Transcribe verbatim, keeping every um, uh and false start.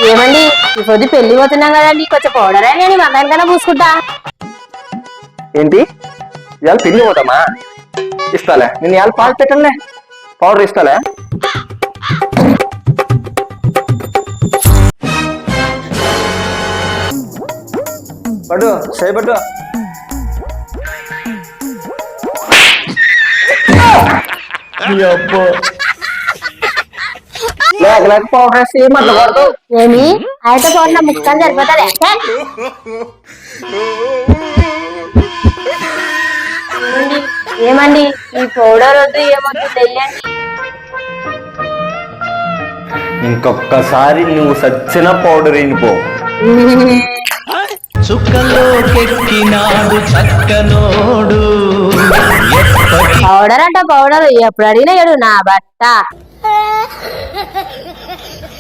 ఏమండి ఈ పొద్దు పెళ్లి పోతున్నాం కదండి కొంచెం పౌడర్ అని మగానికన్నా పూసుకుంటా. ఏంటి ఇవాళ పెళ్లి పోతామా? ఇస్తాలే, నేను ఇవాళ పాలు పెట్టలే, పౌడర్ ఇస్తాలే. పట్టు సై పట్టు. లేక లేక పౌడర్ వేసి మట్ల కొడతావు. ఏమి అయితే పౌడర్ నా ముక్కలు సరిపోతుంది. ఏమండి ఈ పౌడర్ వద్దు ఏమొద్దు తెలియండి. ఇంకొక్కసారి నువ్వు సచ్చిన పౌడర్ అయిపో. చుక్కలోకెక్కినాడు చక్కనోడు. పౌడర్ అంట పౌడర్ ఎప్పుడు అడిగినా ఏడు నా బట్ట.